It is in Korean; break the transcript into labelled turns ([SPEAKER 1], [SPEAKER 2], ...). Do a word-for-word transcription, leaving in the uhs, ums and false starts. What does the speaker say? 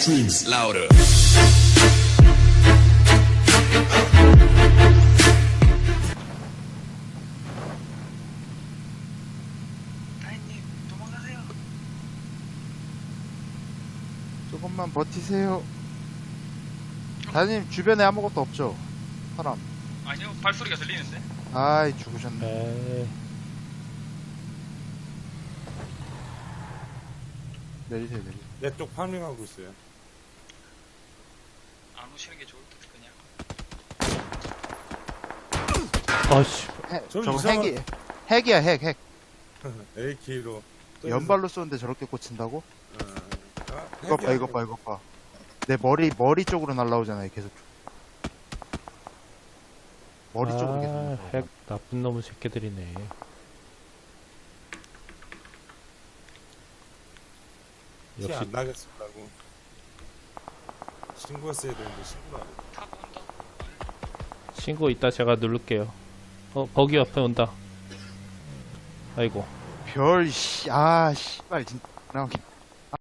[SPEAKER 1] screams louder.
[SPEAKER 2] 다인님 도망가세요.
[SPEAKER 3] 조금만 버티세요. 다님 주변에 아무것도 없죠? 사람.
[SPEAKER 2] 아니요, 발소리가 들리는데.
[SPEAKER 3] 아이 죽으셨네.
[SPEAKER 4] 에이,
[SPEAKER 3] 내리세요 내리세요.
[SPEAKER 5] 내 쪽 파밍하고 있어요.
[SPEAKER 2] 안 오시는 게 좋을 듯 그냥.
[SPEAKER 4] 아씨,
[SPEAKER 3] 해,
[SPEAKER 5] 좀
[SPEAKER 3] 저거
[SPEAKER 5] 이상한-
[SPEAKER 3] 핵이 핵이야 핵 핵.
[SPEAKER 5] 에이케이로
[SPEAKER 3] 연발로 쏘는데 저렇게 꽂힌다고?
[SPEAKER 5] 아,
[SPEAKER 3] 이거 봐 이거 봐 이거 봐. 내 머리 머리 쪽으로 날라오잖아요 계속. 머리 쪽으로 계속.
[SPEAKER 4] 아,
[SPEAKER 3] 날라오잖아.
[SPEAKER 4] 핵 나쁜 놈의 새끼들이네. 역시
[SPEAKER 5] 티안 나게 쏜다고 신고했어야 되는데 신고를 안 해.
[SPEAKER 2] 타고 온다.
[SPEAKER 4] 신고 이따 제가 누를게요. 어, 거기 옆에 온다. 아이고.
[SPEAKER 3] 별 씨, 아 씨발 진짜 나오긴.